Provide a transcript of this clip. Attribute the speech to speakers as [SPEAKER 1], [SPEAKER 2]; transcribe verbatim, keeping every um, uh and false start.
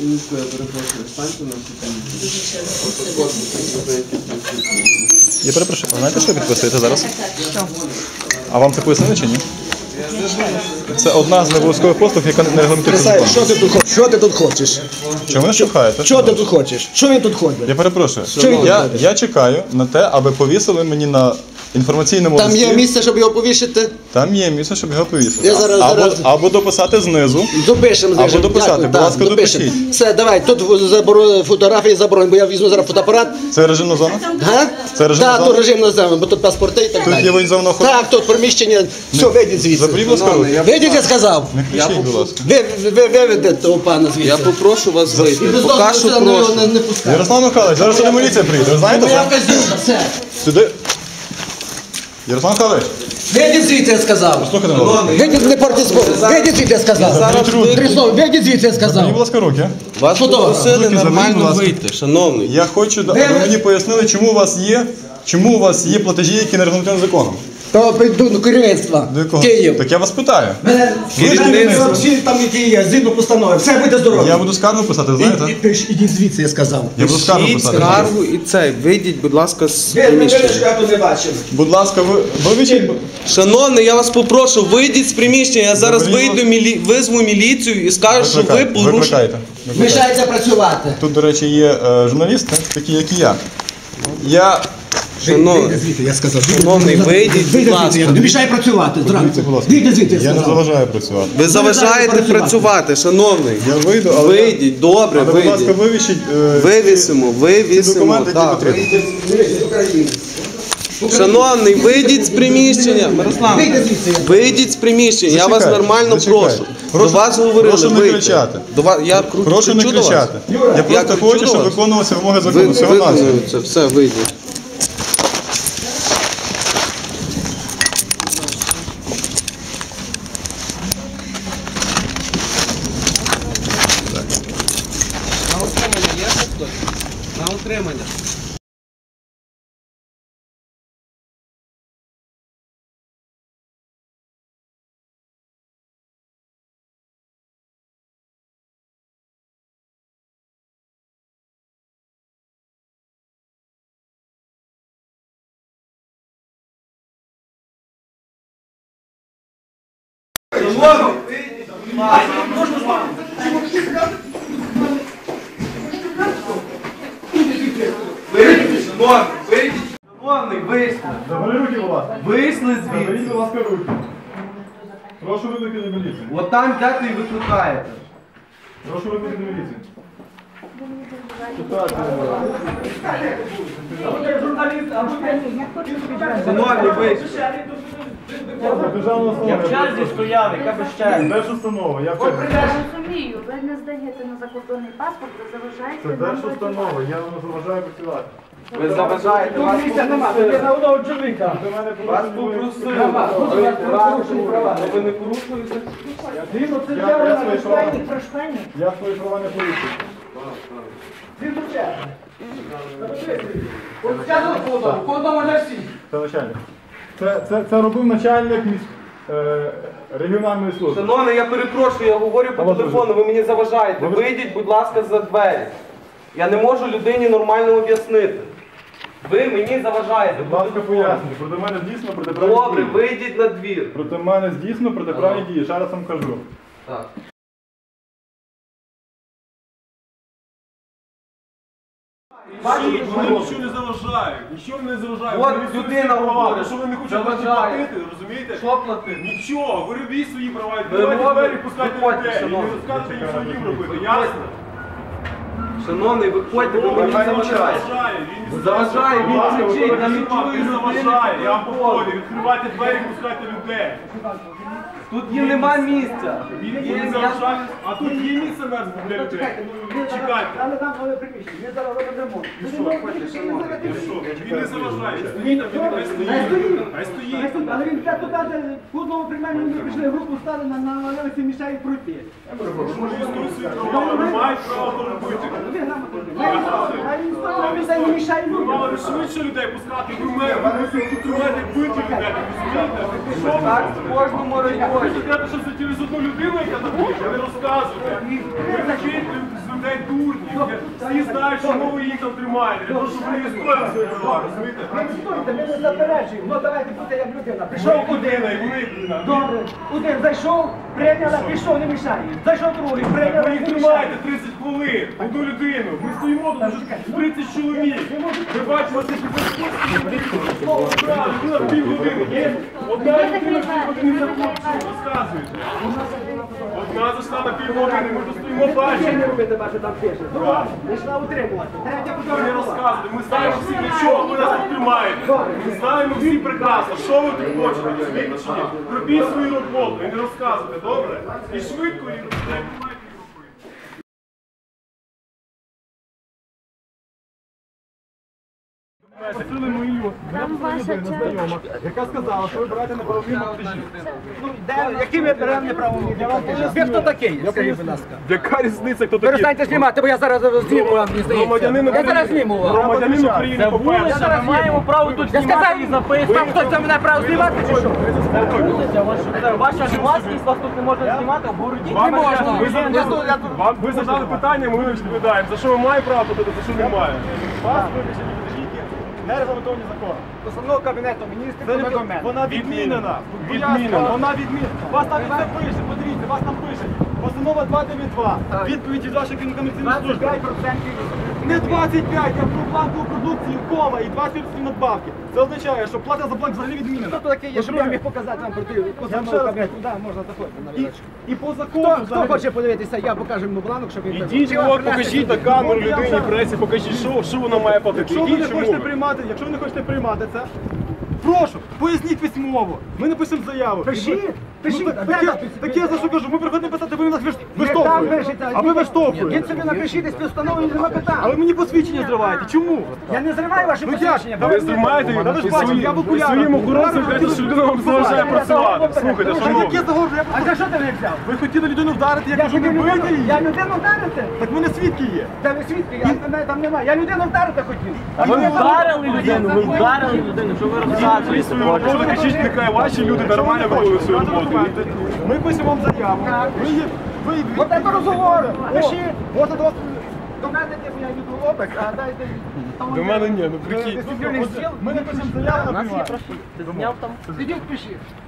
[SPEAKER 1] Минутку, я перепрошую, станьте на секунду.
[SPEAKER 2] Я перепрошую, а знаєте, що ви підписуєте зараз? Що? А вам це пояснили чи ні? Це одна з необов'язкових послуг, яка не регламентується законом.
[SPEAKER 3] Що ти тут хочеш? Що ти тут хочеш?
[SPEAKER 2] Чому ви штовхаєте?
[SPEAKER 3] Що ти тут хочеш? Що він тут ходить?
[SPEAKER 2] Я перепрошую.
[SPEAKER 3] Що він тут
[SPEAKER 2] Я,
[SPEAKER 3] ходить?
[SPEAKER 2] я чекаю на те, аби повісили мені на інформаційному
[SPEAKER 3] Там
[SPEAKER 2] листі.
[SPEAKER 3] є місце, щоб його повішити?
[SPEAKER 2] Там є місце, щоб його повісити.
[SPEAKER 3] Я зараз-
[SPEAKER 2] або,
[SPEAKER 3] зараз-
[SPEAKER 2] або дописати знизу.
[SPEAKER 3] Допишемо,
[SPEAKER 2] Або дописати, будь ласка, допишіть.
[SPEAKER 3] Все, давай, тут заборо- фотографії заборонені, бо я візьму зараз фотоапарат.
[SPEAKER 2] Це режимна зона?
[SPEAKER 3] Га?
[SPEAKER 2] Це режимна
[SPEAKER 3] Так,
[SPEAKER 2] зона?
[SPEAKER 3] тут режим називаємо, бо тут паспорти і так
[SPEAKER 2] Тут
[SPEAKER 3] далі.
[SPEAKER 2] є воєнзовна охорона?
[SPEAKER 3] Так, тут приміщення, все, вийдіть звідси.
[SPEAKER 2] Заберіть, будь ласка, руки.
[SPEAKER 3] Вийдіть, я сказав.
[SPEAKER 2] Не кричіть, будь ласка.
[SPEAKER 3] Ви, ви, ви виведете того пана звідси.
[SPEAKER 1] Я попрошу вас вийти.
[SPEAKER 3] І без
[SPEAKER 1] Поки
[SPEAKER 3] дозволу
[SPEAKER 1] що
[SPEAKER 3] сюди його
[SPEAKER 1] прошу.
[SPEAKER 3] не, не пускайте.
[SPEAKER 2] Ярослав Михайлович, зараз сюди міліція приїде, ви знаєте
[SPEAKER 3] Моя
[SPEAKER 2] це?
[SPEAKER 3] вказівка, все.
[SPEAKER 2] Сюди. Ярослав Михайлович,
[SPEAKER 3] Вийдіть звідси, я сказав.
[SPEAKER 2] слухайте мене, будь ласка.
[SPEAKER 3] Вийдіть, не портіть збору. Вийдіть звідси, я сказав.
[SPEAKER 2] Заберіть руки.
[SPEAKER 3] Тріснов, вийдіть звідси, я
[SPEAKER 2] Заберіть, будь
[SPEAKER 3] сказав.
[SPEAKER 2] ласка, руки.
[SPEAKER 1] Вас
[SPEAKER 3] Що то?
[SPEAKER 1] попросили
[SPEAKER 2] Руки заберіть, будь
[SPEAKER 1] нормально
[SPEAKER 2] ласка.
[SPEAKER 1] вийти, шановний.
[SPEAKER 2] Я хочу, аби
[SPEAKER 3] ви-
[SPEAKER 2] мені пояснили, чому у вас є, чому у вас є платежі, які не регламентовані законом.
[SPEAKER 3] То прийду до керівництва.
[SPEAKER 2] До якого?
[SPEAKER 3] Київ.
[SPEAKER 2] Так я вас питаю.
[SPEAKER 3] Мене
[SPEAKER 2] Керівництво.
[SPEAKER 3] всі там, які є, згідно постанови. Все, будьте здорові.
[SPEAKER 2] Я буду скаргу писати, знаєте?
[SPEAKER 3] І- і- Ідіть звідси, я сказав.
[SPEAKER 2] Я буду скаргу
[SPEAKER 1] Пишіть
[SPEAKER 2] писати.
[SPEAKER 1] скаргу і цей. Вийдіть, будь ласка, з
[SPEAKER 3] Ви, ви, ви,
[SPEAKER 1] приміщення.
[SPEAKER 3] що я тут не бачив.
[SPEAKER 2] Будь ласка, ви вивчіть.
[SPEAKER 1] Шановний, я вас попрошу, вийдіть з приміщення. Я зараз
[SPEAKER 2] Заберіть,
[SPEAKER 1] вийду, мілі... визву міліцію і скажу, що ви
[SPEAKER 2] Викликайте,
[SPEAKER 1] порушили.
[SPEAKER 2] викликайте. Викликайте.
[SPEAKER 3] Мішається працювати.
[SPEAKER 2] Тут, до речі, є е, журналісти, такі як і я. Я
[SPEAKER 1] Шановний,
[SPEAKER 3] звідси, я сказав.
[SPEAKER 1] Шановний, вийдіть, будь ласка.
[SPEAKER 3] Не мішай працювати зранку.
[SPEAKER 2] будь ласка.
[SPEAKER 3] Вийди звідси, я
[SPEAKER 2] я не
[SPEAKER 3] сказав.
[SPEAKER 2] заважаю працювати.
[SPEAKER 1] ви заважаєте
[SPEAKER 3] працювати.
[SPEAKER 1] працювати, шановний.
[SPEAKER 2] Я вийду, але
[SPEAKER 1] Вийдіть, добре,
[SPEAKER 2] але, будь ласка,
[SPEAKER 1] вийдіть.
[SPEAKER 2] вивішіть е,
[SPEAKER 1] Вивісимо,
[SPEAKER 2] ці
[SPEAKER 1] вивісимо.
[SPEAKER 2] документи, які
[SPEAKER 1] Так.
[SPEAKER 2] потрібні.
[SPEAKER 1] Шановний, вийдіть з приміщення. Мирослав,
[SPEAKER 3] Вийди звідси, я-
[SPEAKER 1] вийдіть з приміщення. Я вас
[SPEAKER 2] Зачекайте,
[SPEAKER 1] нормально
[SPEAKER 2] зачекайте.
[SPEAKER 1] прошу.
[SPEAKER 2] Прошу-
[SPEAKER 1] До вас говорили,
[SPEAKER 2] прошу не
[SPEAKER 1] вийти.
[SPEAKER 2] кричати.
[SPEAKER 1] До вас, я кру-
[SPEAKER 2] Прошу не
[SPEAKER 1] кричу до вас.
[SPEAKER 2] кричати. Я просто
[SPEAKER 1] кричу
[SPEAKER 2] хочу,
[SPEAKER 1] до
[SPEAKER 2] щоб
[SPEAKER 1] вас.
[SPEAKER 2] виконувалися вимоги
[SPEAKER 1] Ви,
[SPEAKER 2] закону. Всього навсього.
[SPEAKER 1] виконується, все, вийдіть. На утримання є хтось? На утримання. Вийдіть, шановний, вийдіть. Шановний, вийшли.
[SPEAKER 2] Забери руки, будь ласка.
[SPEAKER 1] Вийшли
[SPEAKER 2] Заберіть,
[SPEAKER 1] звідси.
[SPEAKER 2] будь ласка, руки. Прошу викликати міліцію.
[SPEAKER 1] От там йдете і викликаєте.
[SPEAKER 2] Прошу викликати міліцію.
[SPEAKER 1] Шановні, вийшли.
[SPEAKER 2] Державна
[SPEAKER 4] Я в
[SPEAKER 2] установа.
[SPEAKER 4] черзі стояв, яка без черги.
[SPEAKER 2] Держустанова, я в черзі.
[SPEAKER 5] Я розумію, ви не здаєте на закордонний паспорт, ви заважаєте
[SPEAKER 2] Це
[SPEAKER 5] нам
[SPEAKER 2] держустанова, я вам заважаю працювати.
[SPEAKER 1] Ви заважаєте, вас попросили.
[SPEAKER 4] на одного чоловіка.
[SPEAKER 2] До мене
[SPEAKER 1] Вас
[SPEAKER 2] попросили.
[SPEAKER 1] попросили. Ви порушуєте права. Ну, ви не порушуєте?
[SPEAKER 4] Згідно це
[SPEAKER 2] Я- я свої права.
[SPEAKER 4] прощення.
[SPEAKER 2] Я свої права не порушую.
[SPEAKER 4] Згідно черги. От сказано кодом, кодом для всіх.
[SPEAKER 2] Це начальник. Це, це, це робив начальник міс... е, регіональної служби.
[SPEAKER 1] Шановний, я перепрошую, я говорю по
[SPEAKER 2] Алло,
[SPEAKER 1] телефону, ви мені заважаєте.
[SPEAKER 2] Ви-
[SPEAKER 1] Вийдіть, будь ласка, за двері. Я не можу людині нормально об'яснити. Ви мені заважаєте.
[SPEAKER 2] Будь
[SPEAKER 1] по
[SPEAKER 2] ласка,
[SPEAKER 1] телефону.
[SPEAKER 2] пояснюю. Проти мене здійснено протиправні
[SPEAKER 1] Добре,
[SPEAKER 2] дії.
[SPEAKER 1] вийдіть на двір.
[SPEAKER 2] Проти мене здійснено протиправні дії. Ще раз вам кажу.
[SPEAKER 1] Так.
[SPEAKER 6] Вони нічого не заважають, нічого не заважають.
[SPEAKER 1] От
[SPEAKER 6] Вони відстоюють
[SPEAKER 1] людина
[SPEAKER 6] свої права.
[SPEAKER 1] говорить,
[SPEAKER 6] Що ви не хочете
[SPEAKER 1] заважає.
[SPEAKER 6] платити, розумієте?
[SPEAKER 1] Що платити?
[SPEAKER 6] Нічого, ви робіть свої права,
[SPEAKER 1] Ви
[SPEAKER 6] відкривайте
[SPEAKER 1] робите,
[SPEAKER 6] двері, пускайте
[SPEAKER 1] виходьте,
[SPEAKER 6] людей. І не
[SPEAKER 1] шановні.
[SPEAKER 6] розказуйте їм, що їм робити,
[SPEAKER 1] Виходьте.
[SPEAKER 6] ясно?
[SPEAKER 1] Шановний, виходьте, ви мені
[SPEAKER 6] Нехай не
[SPEAKER 1] заважаєте.
[SPEAKER 6] заважає, він не
[SPEAKER 1] Заважає, він
[SPEAKER 6] Будь ласка,
[SPEAKER 1] кричить,
[SPEAKER 6] ви
[SPEAKER 1] я не
[SPEAKER 6] не
[SPEAKER 1] чую людини,
[SPEAKER 6] заважає, я вам
[SPEAKER 1] яка
[SPEAKER 6] повторюю,
[SPEAKER 1] виходить.
[SPEAKER 6] відкривайте двері, пускайте людей.
[SPEAKER 1] Тут їм нема місця.
[SPEAKER 6] Він
[SPEAKER 1] Є,
[SPEAKER 6] не
[SPEAKER 1] я-
[SPEAKER 6] заважає, а тут є місце мертве для людей. Чекайте.
[SPEAKER 4] Але там але приміщення, ми зараз робимо ремонт.
[SPEAKER 6] І що? Він не заважає, стоїть там, він хай стоїть. Хай стоїть.
[SPEAKER 4] Але він те туди, де в одному приймальні ми прийшли, групу стали на, на левиці, мішають пройти.
[SPEAKER 6] Може, відстоюють свої права, вони мають право то робити.
[SPEAKER 4] Ви грамотно. А він став, він не мішає
[SPEAKER 6] Ви
[SPEAKER 4] людям.
[SPEAKER 6] мали швидше людей пускати, ви мер, ви мусите контролювати бити людей, розумієте? Що ви
[SPEAKER 1] Так,
[SPEAKER 6] робите?
[SPEAKER 1] в кожному
[SPEAKER 6] Ви
[SPEAKER 1] районі.
[SPEAKER 6] кажете, що це через одну людину, яка там буде, ви не розказуєте. Ви робіть з людей дурні. Всі знають, що ви їх там тримаєте. Для того, щоб вони історію свою права, розумієте?
[SPEAKER 4] Ми не стоїте, ми не заперечуємо. Ну давайте будьте як людина. Прийшов один.
[SPEAKER 6] Людина, і вони людина.
[SPEAKER 4] Добре. Один зайшов, прийняла, пішов, не мішає. Зайшов другий, прийняла,
[SPEAKER 6] Ви їх
[SPEAKER 4] не мішає.
[SPEAKER 6] тримаєте тридцять хвилин, одну людину. Ми стоїмо тут вже тридцять чоловік. Ви бачите, оце слово правда, ви на півгодини. Є одна людина, яка не захоче, розказуєте. Одна зайшла на півгодини, ми тут стоїмо,
[SPEAKER 4] Ви
[SPEAKER 6] бачимо.
[SPEAKER 4] не робите, бачите, там пише. Друга, пішла утримувати. Третя
[SPEAKER 6] Ви не
[SPEAKER 4] фотографувала.
[SPEAKER 6] розказуєте, ми знаємо всі для чого ви нас тут тримаєте. Ми знаємо всі прекрасно, що ви тут хочете, розумієте чи ні? Робіть свою роботу і не розказуйте, добре? І швидко, і робіть, як ви маєте робити. Просили мою
[SPEAKER 5] Там ваша чашка.
[SPEAKER 6] яка сказала, що ви берете неправомірно монтажі.
[SPEAKER 4] Ну, де, які ми беремо неправомірні? Я вам поясню. Ви хто такий? Скажіть, будь ласка.
[SPEAKER 6] Яка різниця, хто такий?
[SPEAKER 4] Перестаньте знімати, бо я зараз зніму вам, мені здається.
[SPEAKER 6] Громадянин
[SPEAKER 4] Я зараз
[SPEAKER 6] України.
[SPEAKER 4] зніму вам.
[SPEAKER 6] Громадянин України, по-перше.
[SPEAKER 4] Я зараз маємо право тут знімати і записувати. Там хтось за мене право знімати чи що?
[SPEAKER 1] Ваша власність вас тут не можна знімати, обгородіть.
[SPEAKER 4] Не можна.
[SPEAKER 6] Ви,
[SPEAKER 4] Я
[SPEAKER 6] за-
[SPEAKER 4] тут- я тут-
[SPEAKER 6] вам, ви задали питання, ми відповідаємо. За що ви маєте право платити, за що не має. Вас вибачені не регламентовані закони.
[SPEAKER 4] Постанова Кабінету Міністрів
[SPEAKER 6] Це
[SPEAKER 4] про
[SPEAKER 6] не-
[SPEAKER 4] документ.
[SPEAKER 6] Вона відмінена.
[SPEAKER 4] Відмінена.
[SPEAKER 6] Вона відмінена. Вас там все пише, подивіться, вас там пише. Постанова два дев'ять два. Відповідь від вашої комерційної служби.
[SPEAKER 4] двадцять п'ять відсотків.
[SPEAKER 6] Не двадцять п'ять, а про плату продукції, кома і двадцять відсотків надбавки. Це означає, що плата за блок взагалі відмінена.
[SPEAKER 4] Хто такий є, щоб я міг показати вам проти постанову Кабінету? Так, можна заходити на
[SPEAKER 6] І,
[SPEAKER 4] вірочку.
[SPEAKER 6] і по закону
[SPEAKER 4] Хто, хто
[SPEAKER 6] взагалі-
[SPEAKER 4] хоче подивитися, я покажу йому бланок, щоб він...
[SPEAKER 6] Ідіть,
[SPEAKER 4] Чи вам
[SPEAKER 6] от,
[SPEAKER 4] принести
[SPEAKER 6] покажіть на
[SPEAKER 4] сюди?
[SPEAKER 6] камеру людині, пресі, покажіть, що, що вона має платити.
[SPEAKER 7] Якщо ви
[SPEAKER 6] Ідіть,
[SPEAKER 7] не
[SPEAKER 6] чому
[SPEAKER 7] хочете
[SPEAKER 6] ви?
[SPEAKER 7] приймати, якщо ви не хочете приймати це, прошу, поясніть письмово. Ми напишемо заяву.
[SPEAKER 4] Пишіть, пишіть,
[SPEAKER 7] Ну,
[SPEAKER 4] де
[SPEAKER 7] так,
[SPEAKER 4] написано?
[SPEAKER 7] так я за що кажу, ми приходимо писати, ви нас виш-
[SPEAKER 4] Не там
[SPEAKER 7] виштовхуєте.
[SPEAKER 4] пишете,
[SPEAKER 7] А ви
[SPEAKER 4] Він
[SPEAKER 7] виштовхуєте.
[SPEAKER 4] собі напишіть із постанови, нема питань.
[SPEAKER 7] Але мені посвідчення зриваєте. Чому?
[SPEAKER 4] Я не зриваю ваші
[SPEAKER 7] Ну як?
[SPEAKER 4] посвідчення.
[SPEAKER 6] Та ви знімаєте
[SPEAKER 7] Та ви ж
[SPEAKER 6] і
[SPEAKER 7] бачите,
[SPEAKER 6] своїм-
[SPEAKER 7] я в окулярах.
[SPEAKER 6] своїм охоронцям кажете, що людина вам заважає працювати. Слухайте,
[SPEAKER 7] Та
[SPEAKER 6] шановні.
[SPEAKER 7] яке загорожу? Я
[SPEAKER 4] А
[SPEAKER 7] просто-
[SPEAKER 4] за що ти не взяв?
[SPEAKER 7] Ви хотіли людину вдарити, я
[SPEAKER 4] Я
[SPEAKER 7] кажу, не
[SPEAKER 4] хотів
[SPEAKER 7] бийте
[SPEAKER 4] людину,
[SPEAKER 7] її.
[SPEAKER 4] я людину вдарити?
[SPEAKER 7] Так в мене свідки є.
[SPEAKER 4] Де ви свідки? Я, мене там немає. Я людину вдарити хотів. А
[SPEAKER 1] Ви вдарили людину, ви вдарили людину, що ви
[SPEAKER 6] Ви
[SPEAKER 1] розказуєте.
[SPEAKER 6] свою роботу кажіть, нехай ваші люди нормально виконують свою роботу.
[SPEAKER 7] Документи. Ми пишемо вам заяву. Ви її- ви її-
[SPEAKER 4] Вот это розговори.
[SPEAKER 7] О,
[SPEAKER 4] Пишіть.
[SPEAKER 7] от до вас.
[SPEAKER 4] До мене типу я йду в опек, а дайте...
[SPEAKER 6] До мене ні, ну прикинь.
[SPEAKER 4] Дисциплінний стіл.
[SPEAKER 7] Ми напишемо заяву на приймати.
[SPEAKER 1] Ти зняв там?
[SPEAKER 4] Ідіть пишіть.